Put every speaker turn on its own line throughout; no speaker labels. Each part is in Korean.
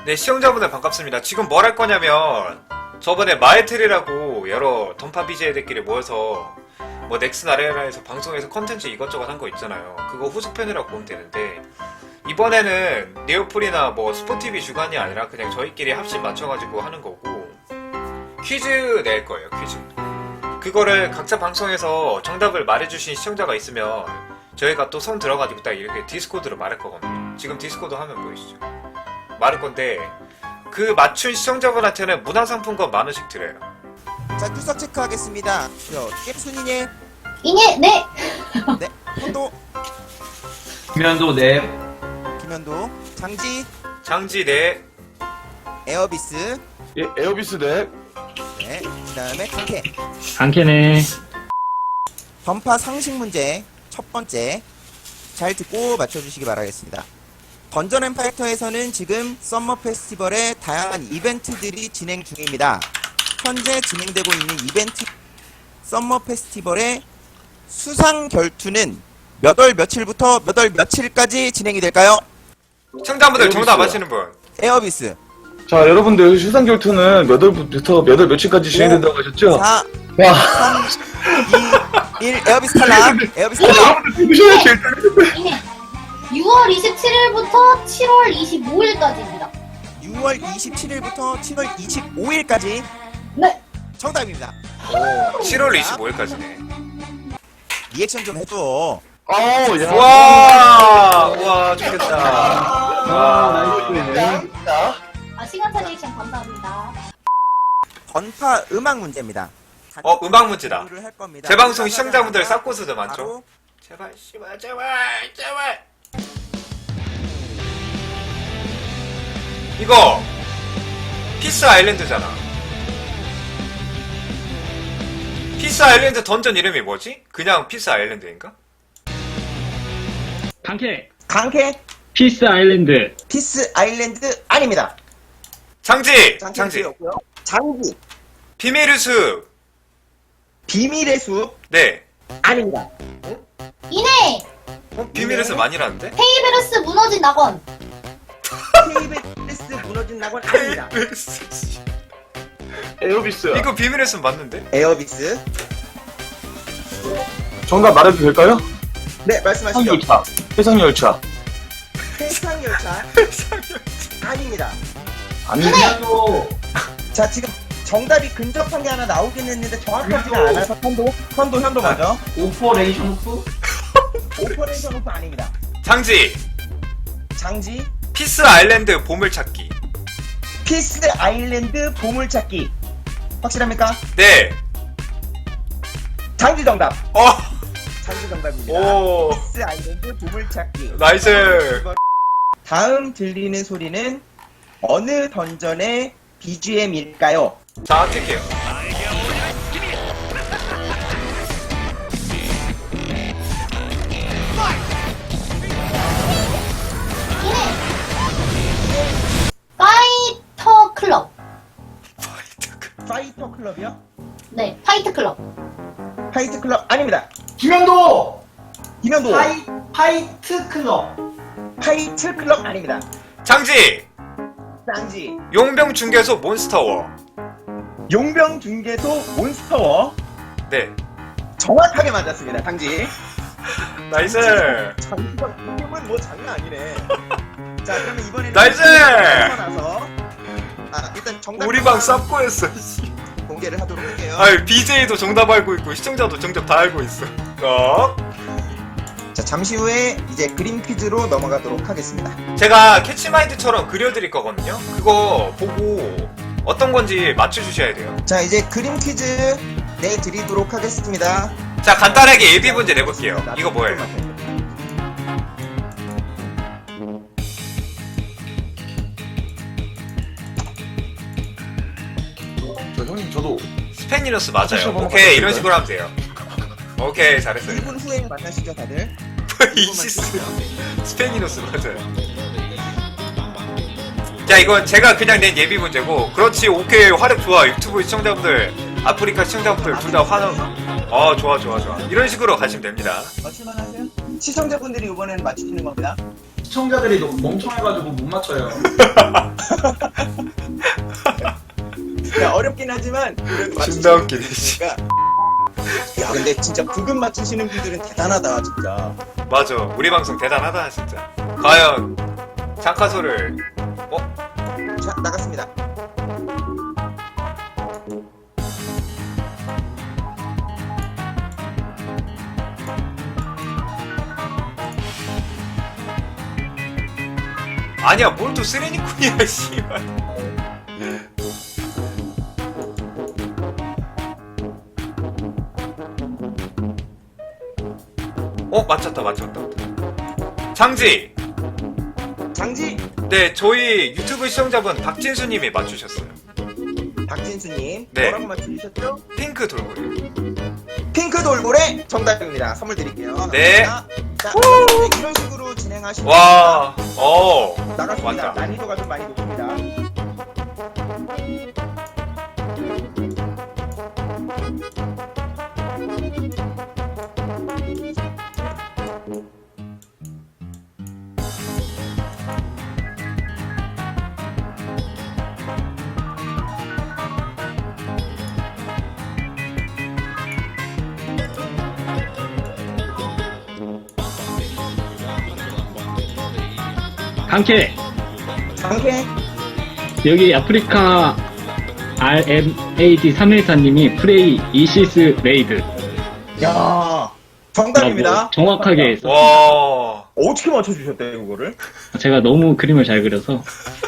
네, 시청자분들 반갑습니다. 지금 뭘 할 거냐면 저번에 마에틀이라고 여러 던파 BJ들끼리 모여서 뭐 넥슨 아레나에서 방송에서 컨텐츠 이것저것 한 거 있잖아요. 그거 후속편이라고 보면 되는데 이번에는 네오플이나 뭐 스포티비 주간이 아니라 그냥 저희끼리 합심 맞춰가지고 하는 거고 퀴즈 낼 거예요. 퀴즈. 그거를 각자 방송에서 정답을 말해주신 시청자가 있으면 저희가 또 손 들어가지고 딱 이렇게 디스코드로 말할 거거든요. 지금 디스코드 화면 보이시죠? 말할 건데 그 맞춘 시청자분한테는 문화상품권 10,000원씩 드려요.
자, 출석 체크하겠습니다. 게임 순위님.
이네 네.
네. 현도.
김현도 네.
김현도. 장지.
장지 네.
에어비스.
예, 에어비스 네.
네. 그 다음에 강캐.
강캐네.
던파 상식 문제 첫 번째. 잘 듣고 맞춰주시기 바라겠습니다. 던전 앤 파이터에서는 지금 썸머 페스티벌의 다양한 이벤트들이 진행 중입니다. 현재 진행되고 있는 이벤트 썸머 페스티벌의 수상 결투는 몇 월 며칠부터 몇 월 며칠까지 진행이 될까요?
시청자분들 정답
에어비스요.
아시는 분?
에어비스.
자, 여러분들 수상 결투는 몇 월부터 몇 월 며칠까지 진행된다고 하셨죠?
4,
와,
3, 2, 1 에어비스 탈락. 에어비스 탈락.
여러분들 누구셔야지 일단.
이네 6월 27일부터 7월 25일까지입니다.
6월 27일부터 7월 25일까지
네.
정답입니다.
7월 25일까지네.
리액션 좀 해줘.
아우, 야.
와, 와, 좋겠다. 와,
아 시간차 리액션 감사합니다.
던파 음악 문제입니다.
음악 문제다.
공부를 할 겁니다.
제 방송 시청자분들 싹고수도 많죠?
바로
제발, 씨발, 제발, 제발. 이거 피스 아일랜드잖아. 피스 아일랜드 던전 이름이 뭐지? 그냥 피스 아일랜드인가?
강캐.
강캐
피스 아일랜드.
피스 아일랜드 아닙니다.
장지!
장기
장지.
틀렸고요. 장기
비밀의 숲.
비밀의 숲
네.
아닙니다.
이네
비밀의 숲 아니라는데?
페이베르스 무너진 낙원.
KBS 무너진 낙원 아닙니다.
에어비스.
이거 비밀의 숲 맞는데?
에어비스.
정답 말해도 될까요?
네, 말씀하시죠.
해상열차. 해상열차.
해상열차 아닙니다.
아니,
자, 지금 정답이 근접한 게 하나 나오긴 했는데 정확하지가 않아서 현도 먼저.
오퍼레이션 오프?
오퍼레이션 오프 아닙니다.
장지.
장지
피스 아일랜드 보물찾기.
피스 아일랜드 보물찾기 확실합니까?
네.
장지 정답. 장지 정답입니다.
오.
피스 아일랜드 보물찾기.
나이스.
다음 들리는 소리는 어느 던전의 BGM일까요?
자, 뛸게요.
파이터 클럽.
파이터 클럽이요?
네, 파이트 클럽.
파이트 클럽 아닙니다.
김현도
김현도
파이트 클럽.
파이트 클럽 아닙니다.
장지.
장지
용병 중개소 몬스터워.
용병 중개소 몬스터워
네.
정확하게 맞았습니다. 장지
나이스.
장지가 이름은 뭐 장난 아니네. 자, 그러면 이번에는
나이스!
나서 일단 정답
우리 방 쌉고 했어.
공개를 하도록 할게요.
아유, BJ도 정답 알고 있고 시청자도 정답 다 알고 있어.
자, 잠시 후에 이제 그림 퀴즈로 넘어가도록 하겠습니다.
제가 캐치마인드처럼 그려드릴 거거든요. 그거 보고 어떤 건지 맞춰주셔야 돼요.
자, 이제 그림 퀴즈 내드리도록 하겠습니다.
자, 간단하게 예비 문제 내볼게요. 이거 뭐예요?
저 형님, 저도.
스페니너스 맞아요.
한번
오케이, 이런
바꿔볼까요?
식으로 하면 돼요. 오케이, 잘했어요.
1분 후에 만나시죠, 다들.
이시스. 스페니너스 맞아요. 자, 이건 제가 그냥 낸 예비 문제고, 그렇지, 오케이, 화력 좋아. 유튜브 시청자분들, 아프리카 시청자분들 둘 다 화력, 좋아. 이런 식으로 가시면 됩니다.
맞출만 하세요? 시청자분들이 이번에는 맞추시는 겁니다.
시청자들이 너무 멍청해가지고 못 맞춰요.
야, 어렵긴 하지만 그래도
진짜 웃기네, 씨.
맞추시니까. 야, 근데 진짜 부금 맞추시는 분들은 대단하다, 진짜.
맞아. 우리 방송 대단하다, 진짜. 과연 장카소를
자, 나갔습니다.
아니야, 뭘 또 쓰레니꾼이야, 씨발. 맞췄다. 장지!
장지,
네, 저희 유튜브 시청자분 박진수님이 맞추셨어요.
박진수님.
네.
뭐라고 맞추셨죠?
핑크 돌고래.
핑크 돌고래 정답입니다. 선물 드릴게요.
네.
자, 이런 식으로 진행하시면
와,
나갔습니다.
완전.
난이도가 좀 많이 높습니다.
강캐
장캐,
여기 아프리카 RMAD 314님이 프레이 이시스 레이드
야, 정답입니다.
라고 정확하게 했어.
와.
어떻게 맞춰주셨대요, 그거를?
제가 너무 그림을 잘 그려서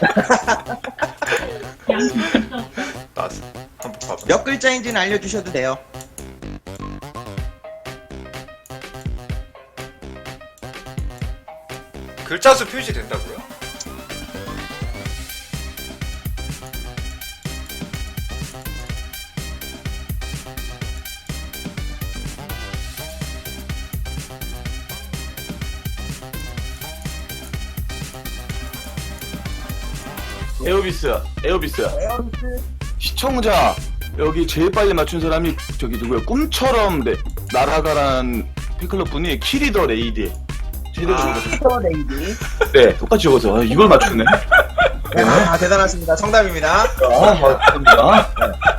나왔어. 한번 봐봐.
몇 글자인지는 알려주셔도 돼요.
글자 수 표시된다고요?
에어비스. 시청자 여기 제일 빨리 맞춘 사람이 저기 누구야? 꿈처럼 날아가란 팬클럽 분이 키리더 레이디. 키리더
슈퍼 레이디.
네, 똑같이 적어서 이걸 맞추네.
아, 대단하십니다. 정답입니다.
맞습니다.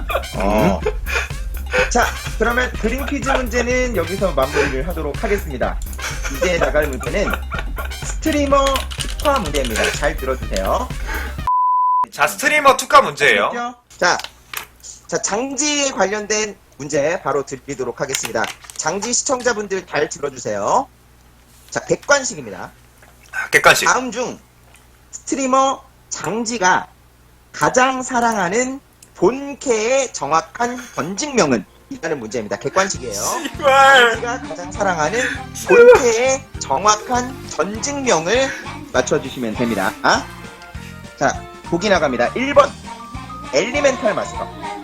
자, 그러면 그림 퀴즈 문제는 여기서 마무리를 하도록 하겠습니다. 이제 나갈 문제는 스트리머 특화 문제입니다. 잘 들어주세요.
자, 스트리머 투카 문제예요.
자, 장지에 관련된 문제 바로 드리도록 하겠습니다. 장지 시청자분들 잘 들어주세요. 자, 객관식입니다.
객관식.
다음 중 스트리머 장지가 가장 사랑하는 본캐의 정확한 번직명은? 이라는 문제입니다. 객관식이에요.
씨발.
장지가 가장 사랑하는 본캐의 정확한 전직명을 맞춰주시면 됩니다. 자, 보기 나갑니다. 1번 엘리멘탈 마스터,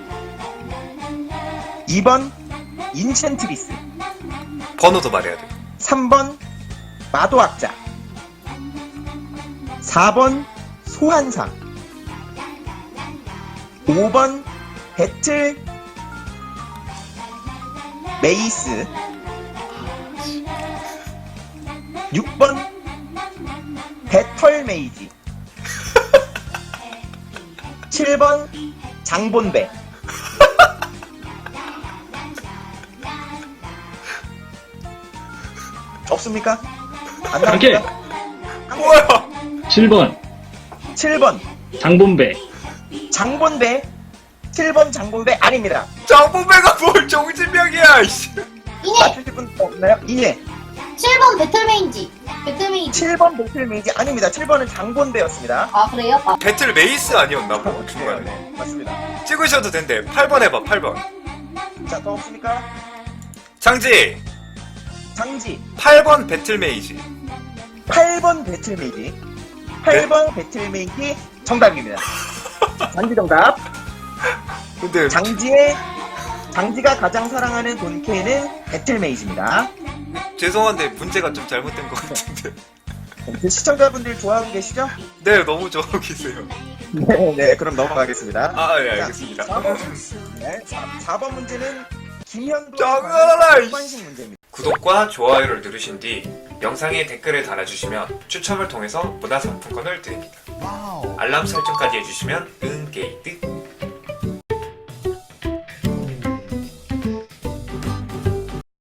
2번 인챈트리스,
번호도 말해야 돼.
3번 마도학자, 4번 소환사, 5번 배틀 메이스, 6번 배털 메이지, 7번 장본배. 없습니까? 안
강캐
나옵니까?
뭐야?
7번
7번
장본배
장본배. 7번 장본배 아닙니다.
장본배가 뭘 정신병이야, 이씨.
이네.
맞추실 분 없나요? 예.
7번 배틀메인지. 배틀메인지.
7번 배틀메이지 아닙니다. 7번은 장본배였습니다.
아, 그래요? 아,
배틀 메이스 아니었나 뭐 중간에.
네, 맞습니다.
찍으셔도 된대. 8번 해봐, 8번.
자, 더 없습니까?
장지.
장지
8번 배틀 메이지.
8번 배틀메이지. 8번 배틀메이지 정답입니다. 장지 정답.
근데
장지가 가장 사랑하는 본캐는 배틀메이지입니다.
죄송한데 문제가 좀 잘못된 것 같은데.
그 시청자분들 좋아하고 계시죠?
네, 너무 좋아하고 계세요.
네, 그럼 넘어가겠습니다.
아, 예, 알겠습니다.
4번 문제는 김현도
정연아라, 이씨.
관식 문제입니다.
구독과 좋아요를 누르신 뒤 영상에 댓글을 달아주시면 추첨을 통해서 문화상품권을 드립니다. 알람 설정까지 해주시면 은게이드